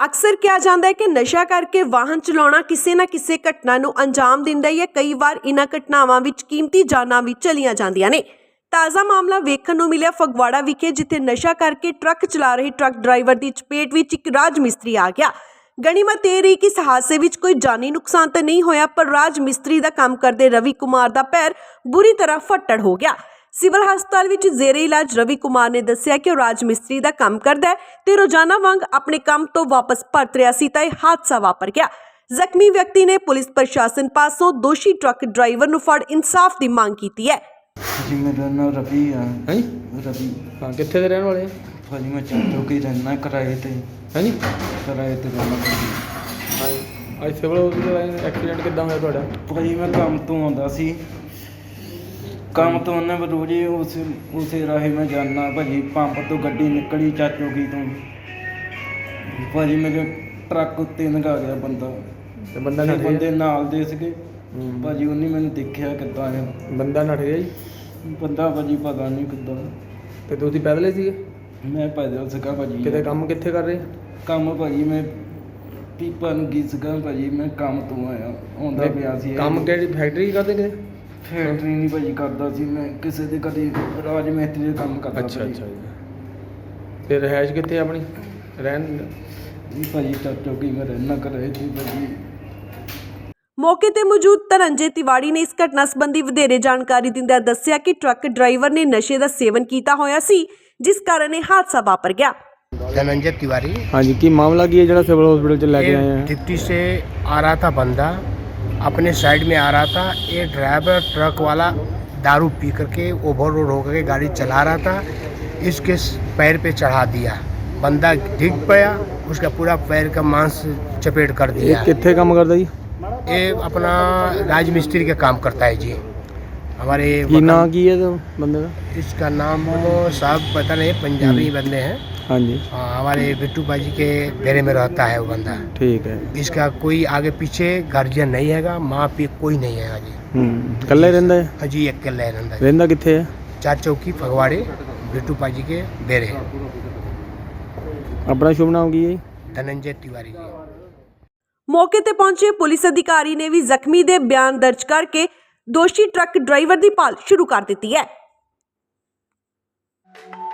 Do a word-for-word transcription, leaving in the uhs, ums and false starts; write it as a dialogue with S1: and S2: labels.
S1: अक्सर किया जाता है कि नशा करके वाहन चलाना किसी ना किसी घटना नूं अंजाम दिंदा है। कई बार इन्हां घटनावां विच कीमती जानां भी चलियां जांदियां ने। ताज़ा मामला वेखण नूं मिलिया फगवाड़ा विखे, जिथे नशा करके ट्रक चला रहे ट्रक ड्राइवर की चपेट विच एक राज मिस्त्री आ गया। गनीमत यह रही कि इस हादसे विच कोई जानी नुकसान तो नहीं होया, पर राज मिस्त्री का काम करते रवि कुमार का पैर बुरी तरह फट्टड़ हो गया। सिविल हस्पताल विच जेरे इलाज रवि कुमार ने दस्सिया कि राज मिस्त्री का काम करदा है ते रोजाना वांग अपने काम तो वापस परत रहा सी तां इह हादसा वापर गया। जख्मी व्यक्ति ने पुलिस प्रशासन पासों दोषी ट्रक ड्राइवर नूं फड़ इंसाफ की मांग की है।
S2: जी मेरा नाम रवि है।
S3: हैं
S2: रवि
S3: हाँ कितने दे रहने वाले
S2: भाजी मैं चाचो के रहना किराए ते
S3: हैं जी
S2: किराए ते रहना
S3: हाँ आज सिविल हॉस्पिटल एक्सीडेंट किद्दां होया तुहाडा?
S2: भाजी मैं काम तो आਉਂਦਾ ਸੀ काम तो ਉਹਨੇ रोज ही उस उसे राहे मैं जाना भाजी पंप तो गड्डी निकली चाचो की तो भाजी मेरे ट्रक उत्ते लगा गया बंदा
S3: ते बंदा नठ
S2: बंदे
S3: गया
S2: नाल दे सीगे भाजी ਉਹਨੇ ਮੈਨੂੰ ਦੇਖਿਆ ਕਿੱਦਾਂ ਆ
S3: बंदा नठ गया जी
S2: ਬੰਦਾ ਭਾਜੀ ਪਤਾ ਨਹੀਂ ਕਿੱਦਾਂ
S3: ਤੇ ਤੁਸੀਂ ਪੈਦਲ ਸੀਗੇ?
S2: ਮੈਂ ਪੈਦਲ ਸੀਗਾ ਭਾਜੀ
S3: ਕਿਤੇ ਕੰਮ ਕਿੱਥੇ ਕਰ ਰਹੇ?
S2: ਕੰਮ ਭਾਜੀ ਮੈਂ ਪੀਪਾ ਨੂੰ ਗਈ ਸੀਗਾ ਭਾਜੀ ਮੈਂ ਕੰਮ ਤੋਂ ਆਇਆ ਆਉਂਦਾ ਪਿਆ ਸੀ
S3: ਕੰਮ ਕਿਹੜੀ ਫੈਕਟਰੀ ਕਰਦੇ ਕਿਤੇ?
S2: ਫੈਕਟਰੀ ਨਹੀਂ ਭਾਜੀ ਕਰਦਾ ਸੀ ਮੈਂ ਕਿਸੇ ਦੇ ਕਦੇ ਰਾਜ ਮਿਸਤਰੀ ਦੇ ਕੰਮ ਕਰਦਾ
S3: ਅੱਛਾ
S2: ਭਾਜੀ।
S3: ਅੱਛਾ ਜੀ ਤੇ ਰਹਿائش ਕਿੱਥੇ ਆਪਣੀ ਰਹਿਣ?
S2: ਜੀ ਭਾਜੀ ਚਾਚੋ ਕੀ ਮੈਂ ਰਹਿਣਾ ਕਰ ਰਹੇ ਸੀ ਭਾਜੀ।
S1: मौके ते मौजूद धनंजय तिवाड़ी ने इस घटना संबंधी वधेरे जानकारी दिंदे दस्सिया कि ट्रक ड्राइवर ने नशे का सेवन किया होया सी, जिस कारण यह हादसा वापर गया।
S4: धनंजय तिवारी
S3: हाँ जी, की मामला की है जो सिविल हॉस्पिटल च लेके आए हैं?
S4: डिप्टी से आ रहा था बंदा, अपने साइड में आ रहा था। ये ड्राइवर ट्रक वाला दारू पी करके ओवरलोड होकर के गाड़ी चला रहा था, इसके पैर पे चढ़ा दिया। बंदा डिग पड़ा, उसका पूरा पैर का मांस चपेट कर
S3: ये
S4: दिया।
S3: कितने काम करता जी?
S4: ये अपना राज मिस्त्री का काम करता है जी। हमारे
S3: की ना की है तो बंदे का?
S4: इसका नाम तो साहब पता नहीं, पंजाबी बंदे हैं।
S3: हाँ जी
S4: हाँ, हमारे बिट्टू बाजी के डेरे में रहता है वो बंदा।
S3: ठीक है।
S4: इसका कोई आगे पीछे गार्जियन नहीं हैगा, माँ पे कोई नहीं है जी।
S3: हम्म कल्ला ही रहंदा है?
S4: हाँ जी, एक कल्ला ही रहंदा है।
S3: रहंदा कित्थे है?
S4: चार चौकी फगवाड़े बिट्टू बाजी के डेरे।
S3: अपना शुभ नाम की है?
S4: धनंजय तिवारी जी।
S1: मौके ते पहुंचे पुलिस अधिकारी ने भी जख्मी दे बयान दर्ज करके दोषी ट्रक ड्राइवर की भाल शुरू कर दी है।